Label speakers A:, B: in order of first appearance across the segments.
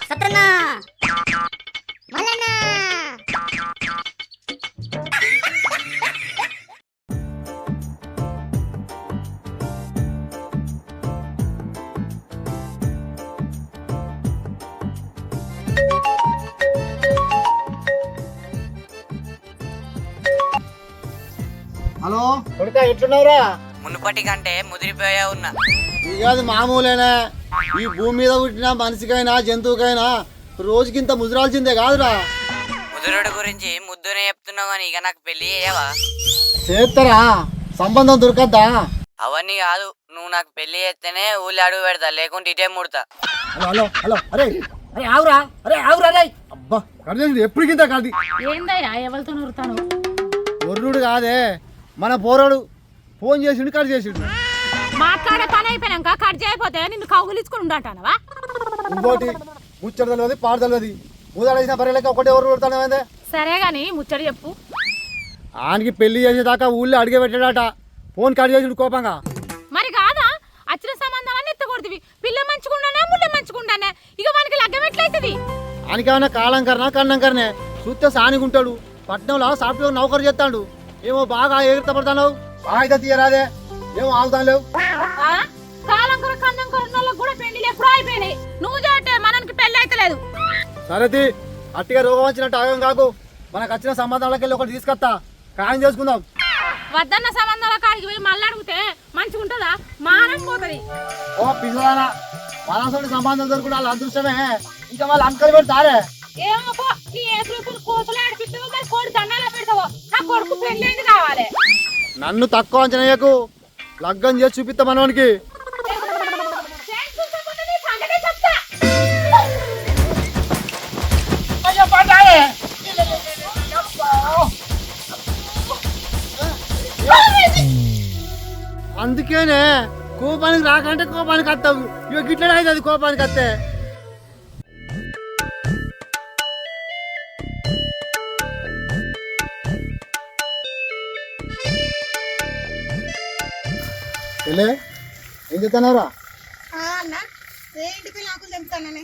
A: సత్రన్నా మల్లన్నా
B: హలో కొడుకా ఎట్లున్నావురా?
C: మునుపటి కంటే ముదిరిపోయా ఉన్నా.
B: ఇది కాదు మామూలేనా, ఈ భూమి మీద పుట్టిన మనిషికైనా జంతువుకైనా రోజుకింత ముదిరాల్సిందే కాదురా.
C: ముదురుడు గురించి ముద్దునే చెప్తున్నావు కానీ ఇక నాకు పెళ్లి చేయవా?
B: చేస్తారా? సంబంధం దొరకద్దా?
C: అవన్నీ కాదు, నువ్వు నాకు పెళ్లి చేస్తేనే ఊళ్ళో అడుగు పెడతా, లేకుంటే ఇటే ముడతా.
B: హలో హలో హలో అరే అరే ఆవురా, అరే ఆవురా రే. అబ్బా కడిచేసి ఎప్పటికింత కడి
D: ఏందయ్యా ఎవరితో నూరుతాను?
B: ఒర్రుడు కాదే, మన పోరాడు ఫోన్ చేసిండు కట్ చేసిండు.
D: మాట్లాడే పని అయిపోయాక కట్ చేయకపోతే నిన్ను కౌగులించుకుని ఉండటానవా?
B: ఇంకోటి ముచ్చట తెలియదు పాడు తెలియదు, ఊదాడేసిన బర్రెలకి ఒకటే ఎవరు కొడతానే.
D: సరే గాని ముచ్చట చెప్పు.
B: ఆయనకి పెళ్లి చేసేదాకా ఊళ్ళో అడిగే పెట్టాడట, ఫోన్ కట్ చేసిండు కోపంగా.
D: మరి కాదా వచ్చిన సంబంధాలన్నీ ఎత్తకూడదు. పిల్ల మంచుకుండానే ముళ్ళ మంచుకుండానే ఇక మనకి లగ్గం ఎట్లయితుంది?
B: ఆయనకేమన్నా కాలం కన్నా కన్నం కరనే చూస్తే సానిగుంటాడు. పట్నంలో సాఫ్ట్వేర్ నౌకరు చేస్తాడు. ఏమో బాగా ఎగురుతపడతావు, బాగా తీయరాదే, ఏమో ఆగుతాను లేవు.
D: కాలం కొర కన్నం కొరకు కూడా పెళ్లిలు ఎప్పుడూ అయిపోయినాయి. నువ్వు చేస్తే మనకి పెళ్లి అయితే లేదు.
B: సరేది అట్టిగా రోగం వచ్చినట్టు ఆగం కాకు, మనకు వచ్చిన సంబంధాలకి వెళ్ళి ఒకటి తీసుకొస్తా, ఖాయం చేసుకుందాం.
D: వద్దన్న సంబంధాల కాడికి పోయి మళ్ళీ అడిగితే మంచిగా ఉంటుందా? మానం పోతుంది.
B: ఓ పిల్లరా, మనసోటి సంబంధం దొరుకుడు వాళ్ళ అదృష్టమే, ఇంకా వాళ్ళు అంకలు పెడతారే.
D: ఏమో పో, నీ ఏసులు కోతులు ఆడిపిస్తావో మరి కోడి దండాలో పెడతావో, నా కొడుకు పెళ్ళేంది కావాలి.
B: నన్ను తక్కువ అంచనాయకు, లగ్గం చేసి చూపిస్తా మనవానికి. అందుకేనే కోపానికి రాకంటే కోపానికి వస్తావు, ఇక గిట్లనే అవుతుంది కోపానికి వస్తే. ఏం చెప్తున్నారా?
E: అన్న ఏంటికి నాకు తెంపుతానని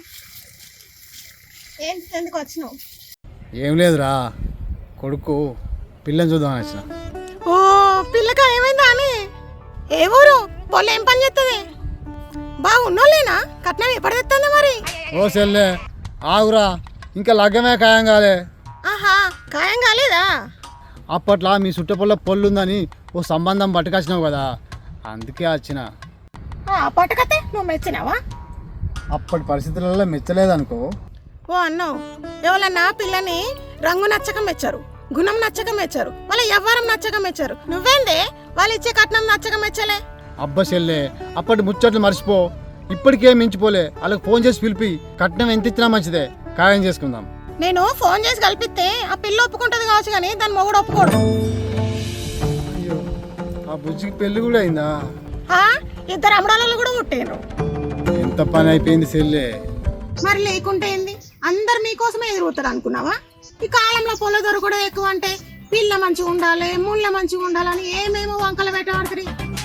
E: ఏంటి ఎందుకు వచ్చినావు?
B: ఏం లేదురా, కొడుకు పిల్లని చూద్దామని వచ్చిన.
E: ఓ పిల్లక ఏమైందా అని? ఏ ఊరు పొల్ల ఏం పని చేస్తుంది? బాగున్నోళ్ళేనా? కట్నం ఎప్పుడు తెస్తుంది మరి?
B: ఓ సెల్లే ఆగురా, ఇంకా లగ్గమే ఖాయం కాలే.
E: ఆహా ఖాయం కాలేదా?
B: అప్పట్లో మీ చుట్టపొల్ల పొల్లుందని ఓ సంబంధం పట్టుకొచ్చినావు కదా, అందుకే వచ్చిన.
E: పట్టుకతే నువ్వు మెచ్చినావా?
B: అప్పటి పరిస్థితులలో మెచ్చలేదనుకో.
E: ఓ అన్నో, ఎవరన్నా పిల్లని రంగు నచ్చక మెచ్చారు, గుణం నచ్చక మెచ్చారు, వాళ్ళ ఎవ్వరం నచ్చక మెచ్చారు. నువ్వేందే వాళ్ళు ఇచ్చే కట్నం నచ్చక మెచ్చలే?
B: అబ్బా చెల్లే, అప్పటి ముచ్చట్లు మర్చిపో, ఇప్పటికేం మించిపోలే. వాళ్ళకి ఫోన్ చేసి పిలిపి కట్నం ఎంత ఇచ్చినా మంచిదే, ఖాయం చేసుకుందాం.
E: నేను ఫోన్ చేసి కలిపిస్తే ఆ పిల్ల ఒప్పుకుంటది కావచ్చు, కానీ దాని మొగుడు ఒప్పుకోడు.
B: అయ్యో, ఆ బుజ్జికి పెళ్లి కూడా అయిందా?
E: ఇద్దరు అమ్మడాలు కూడా పుట్టారు.
B: ఎంత పని అయిపోయింది చెల్లే.
E: మరి లేకుంటే ఏంది? అందరు మీకోసమే ఎదురుతారు అనుకున్నావా? ఈ కాలంలో పొల దొరకడం ఎక్కువ అంటే పిల్ల మంచిగా ఉండాలి, ముళ్ళ మంచిగా ఉండాలని ఏమేమో వంకలు పెట్టబడుతుంది.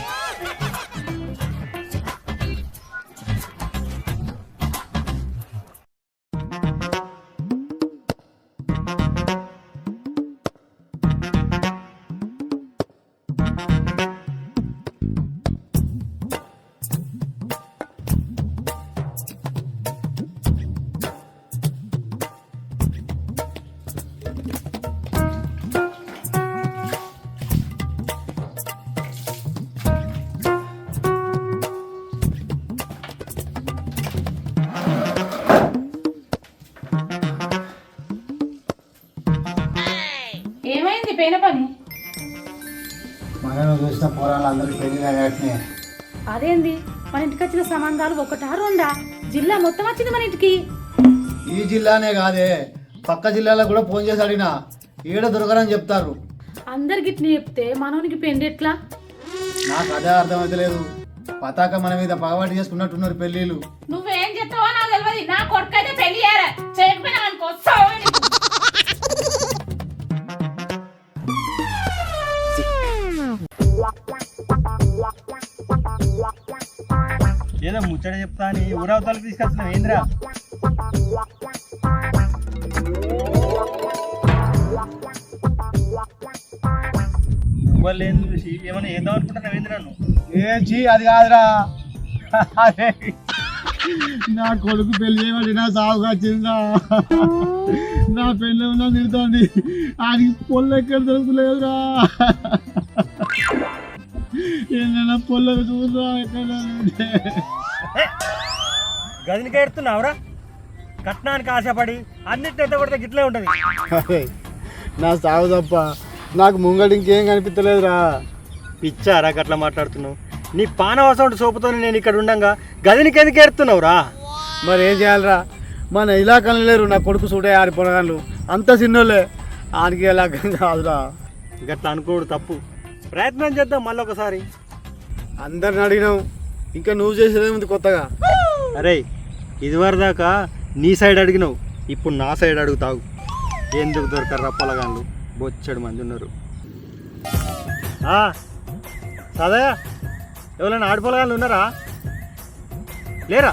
D: ఏమైంది పోయిన పని?
B: మనం చూసిన పోరాలు అందరికి పెళ్లి.
D: అదేంది, మన ఇంటికి వచ్చిన సంబంధాలు ఒకటా రెండా? జిల్లా మొత్తం వచ్చింది మన ఇంటికి.
B: ఈ జిల్లానే కాదే, పక్క జిల్లాలో కూడా ఫోన్ చేసి అడిగినా ఈడ దొరకరని చెప్తారు.
D: అందరికి ఇట్లా చెప్తే మనోనికి పెళ్లి ఎట్లా?
B: నాకు అదే అర్థమైతే లేదు. పతాక మన మీద పగవాటి చేసుకున్నట్టున్నారు పెళ్లిళ్ళు.
D: నువ్వేం చెప్తావో నాకు తెలియదు. నా కొడుకు అయితే పెళ్లి చేయకపోయినా అనుకో.
F: ఏదో ముచ్చట చెప్తా అని ఊరవతలకు తీసుకొచ్చినావు ఏంద్రా? వాళ్ళు ఏం చూసి ఏమైనా ఏదో అనుకుంటున్నావు ఏంది నన్ను?
B: ఏంచి అది కాదురా, అరే నా కొడుకు పెళ్లి చేయబడి నా సాగుగా వచ్చిందా, నా పెళ్ళి ఉన్నా తిడుతోంది, ఆయనకి పొల్ల ఎక్కడ దొరుకులేదురా, ఏదైనా పొల్లకు చూసా ఎక్కడ
F: గదినికి ఎడుతున్నావురా? కట్నానికి ఆశపడి అన్నిటిని కొడితే గిట్లే ఉంటుంది.
B: అరే నా సాగు తప్ప నాకు ముంగడు ఇంకేం కనిపించలేదురా.
F: పిచ్చారా గట్లా మాట్లాడుతున్నావు? నీ పానవసం సోపుతో నేను ఇక్కడ ఉండంగా గదినికి ఎందుకు ఎడుతున్నావురా?
B: మరి ఏం చేయాలిరా, మన ఇలాకాలు లేరు నా కొడుకు సూటే ఆడి పొలగాళ్ళు, అంత చిన్నోళ్ళే, ఆడికి ఇలాకం కాదురా.
F: గట్లా అనుకోడు తప్పు. ప్రయత్నం చేద్దాం మళ్ళీ ఒకసారి.
B: అందరిని అడిగినావు, ఇంకా నువ్వు చేసేదే ఉంది కొత్తగా.
F: అరే ఇదివరదాకా నీ సైడ్ అడిగినావు, ఇప్పుడు నా సైడ్ అడుగుతావు. ఎందుకు దొరకరు పొలగాళ్ళు, బొచ్చడు మంది ఉన్నారు. సదయా ఎవరైనా ఆడిపోలగాళ్ళు ఉన్నారా? లేరా?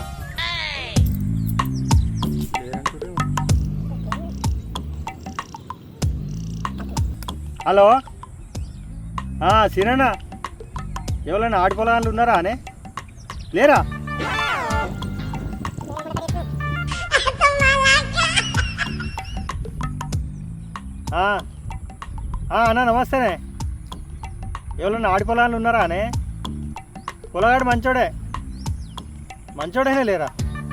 F: హలో సినన్నా, ఎవరైనా ఆడిపోలగాళ్ళు ఉన్నారా అనే? లేరా? అన్నా నమస్తేనే. ఎవరన్నా ఆడి పొలాలు ఉన్నారా అనే? పొలగాడు మంచోడే, మంచోడేనే లేరా?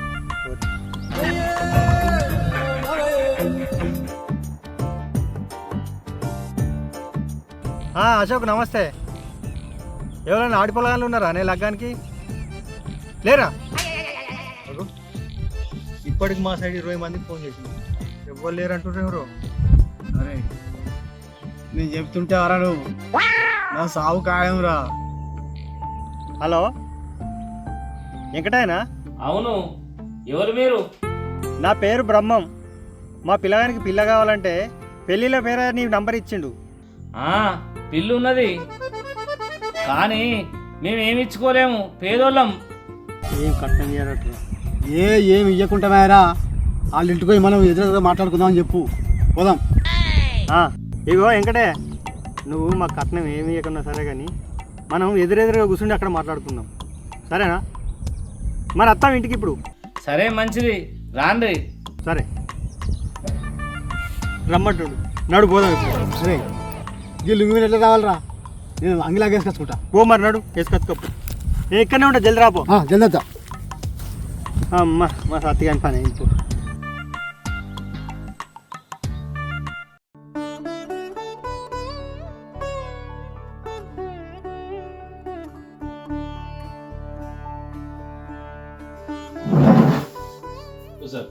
F: అశోక్ నమస్తే. ఎవరైనా ఆడి పొలాలు ఉన్నారా అనే లగ్గానికి? లేరా? ఇప్పటికి మా సైడ్ 20 మందికి ఫోన్ చేసింది, ఎవరు లేరు అంటుండ్రు. ఎవరు?
B: అరే నేను చెప్తుంటే అరా నువ్వు, నా సాగు ఖాయంరా.
F: హలో వెంకటేనా?
G: అవును, ఎవరు మీరు?
F: నా పేరు బ్రహ్మం. మా పిల్లగానికి పిల్ల కావాలంటే పెళ్ళిళ్ళ పేరు నీ నంబర్ ఇచ్చిండు.
G: పిల్లు ఉన్నది కానీ మేమేమి ఇచ్చుకోలేము, పేదోళ్ళం.
F: ఏం కట్టం చేయనట్టు?
B: ఏమి ఇవ్వకుండా మేరా, వాళ్ళ ఇంటికి పోయి మనం ఎదురుగా మాట్లాడుకుందాం అని చెప్పు, పోదాం.
F: ఇగో వెంకటే, నువ్వు మా కట్నం ఏమి ఇవ్వకుండా సరే కానీ మనం ఎదురెదురుగా కూర్చుండి అక్కడ మాట్లాడుకుందాం, సరేనా? మరి వస్తాం ఇంటికి ఇప్పుడు?
G: సరే మంచిది, రాండి.
F: సరే రమ్మంటుడు, నడు పోదాం ఇప్పుడు.
B: సరే వీళ్ళు మీరు ఎట్లా రావాలరా, నేను అంగిలాగా వేసుకొచ్చుకుంటా.
F: పో మరి నడు, వేసుకొచ్చుకోపు. నేను ఇక్కడనే ఉంటా, జల్ది రాపో.
B: జల్దద్దా.
F: అమ్మా మా సత్తిగాని పని ఇంకో.
G: సార్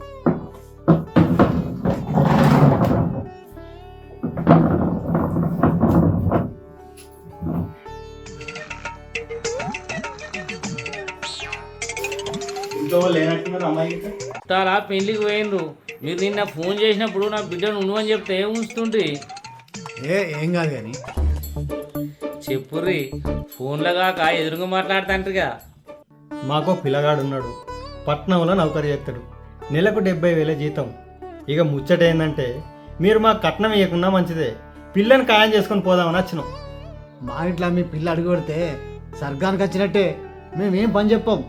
G: తాలా పెళ్లికి పోయిండ్రు. మీరు నిన్న ఫోన్ చేసినప్పుడు నా బిడ్డను ఉండవని చెప్తే ఉంచుతుండ్రి.
B: ఏం కాదు కానీ
G: చెప్పుర్రి, ఫోన్లో కాక ఎదురుగా మాట్లాడుతాంట్రిగా.
F: మాకో పిల్లగాడు ఉన్నాడు, పట్నంలో నౌకరీ చేస్తాడు, నెలకు 70,000 జీతం. ఇక ముచ్చట ఏంటంటే మీరు మా కట్నం ఇవ్వకుండా మంచిదే, పిల్లని ఖాయం చేసుకొని పోదామని వచ్చినాం.
B: మా ఇంట్లో మీ పిల్ల అడుగు పెడితే సర్గానికి వచ్చినట్టే, మేమేం పని చెప్పాం.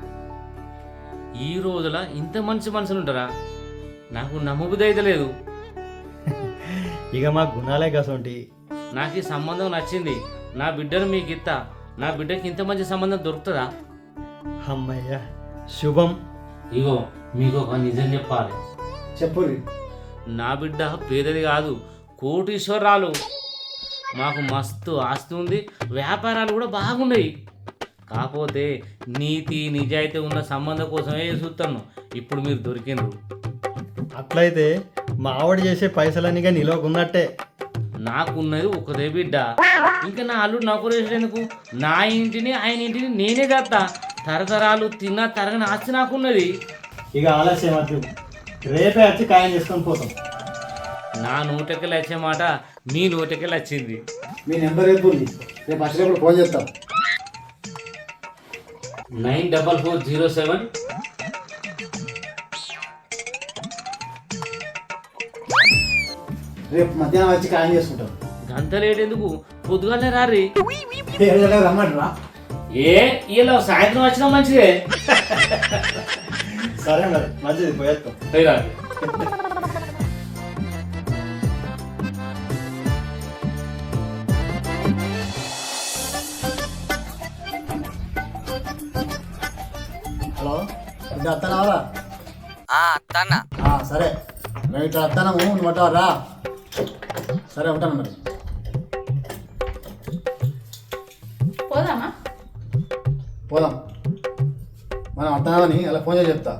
G: ఈ రోజుల ఇంత మంచి మనుషులు ఉంటారా? నాకు నమ్మబుద్ధి అయితే లేదు.
F: ఇక మా గుణాలే కసంటి.
G: నాకు ఈ సంబంధం నచ్చింది, నా బిడ్డను మీకు ఇస్తా. నా బిడ్డకి ఇంత మంచి సంబంధం దొరుకుతుందా?
F: అమ్మయ్య శుభం.
G: ఇగో మీకు ఒక నిజం చెప్పాలి.
B: చెప్పు.
G: నా బిడ్డ పేదది కాదు, కోటీశ్వరాలు. మాకు మస్తు ఆస్తి ఉంది, వ్యాపారాలు కూడా బాగున్నాయి. కాకపోతే నీతి నిజాయితీ ఉన్న సంబంధం కోసమే చూస్తాను. ఇప్పుడు మీరు దొరికిండ్రు.
F: అట్లయితే మా ఆవిడ చేసే పైసలన్నీగా నిలవకున్నట్టే.
G: నాకున్నది ఒకదే బిడ్డ, ఇంకా నా అల్లుడు నాకు ఎందుకు? నా ఇంటిని ఆయన ఇంటిని నేనే చేస్తా. తరతరాలు తిన్నా తరగని ఆస్తి నాకున్నది.
F: ఇక ఆలస్యం వద్దు, రేపే వచ్చి ఖాయం చేసుకొని పోతాం.
G: నా నోటకెళ్ళి వచ్చే మాట మీ నోటకెళ్ళి వచ్చింది.
B: మీ నెంబర్ రేపు రేపు వచ్చినప్పుడు ఫోన్ చేస్తాం.
G: 94407
B: రేపు మధ్యాహ్నం వచ్చి ఖాయం చేసుకుంటాం.
G: గంత లేట్ ఎందుకు? పొద్దుగానే రారి.
B: 7 గంటలకు రమ్మంటారా?
G: ఇలా సాయంత్రం వచ్చినా మంచిదే.
F: సరే మరి మంచిది పోయేస్తాం.
G: పోయిరా.
B: హలో ఇంకా వస్తానావరా?
C: అత్తన్న
B: సరే మేము ఇట్లా వస్తాము, నువ్వు వస్తావరా? సరే ఉంటాను మరి.
D: పోదామా?
B: పోదాం. మనం వస్తామని అలా ఫోన్ చేసి చెప్తా.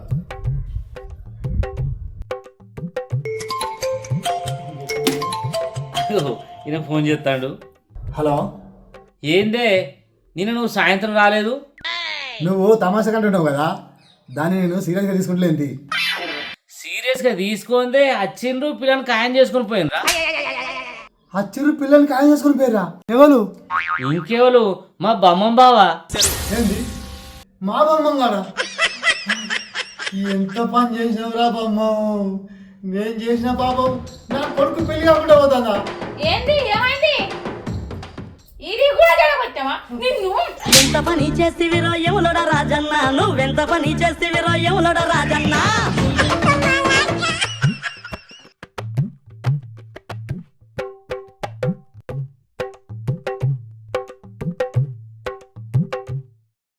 G: ఈయన ఫోన్ చేస్తాడు.
B: హలో,
G: ఏందే నిన్న నువ్వు సాయంత్రం రాలేదు?
B: నువ్వు తమాషా కంటున్నావు కదా, దాన్ని నేను సీరియస్గా తీసుకుంటలేంది.
G: సీరియస్గా తీసుకుందే వచ్చిండ్రు, పిల్లల్ని ఖాయం చేసుకొని పోయినరా?
B: అచ్చిరు పిల్లల్ని ఖాయం చేసుకుని పోయిరా? ఎవరు?
G: ఇంకెవరు? మా బమ్మం బావా.
B: ఏంది మా బొమ్మం కాడా? ఎంత పని చేసినవురా బొమ్మం? నేను చేసిన పాపం నా కొడుకు పెళ్లి కాకుండా పోతుందా?
D: ఏంది ఏమైంది? ఇది కూడా జడగొట్టావా నిన్ను?
H: ఎంత పని చేసి విరోయములడ రాజన్న, నువ్వెంత పని చేసి విరోయములడ రాజన్న.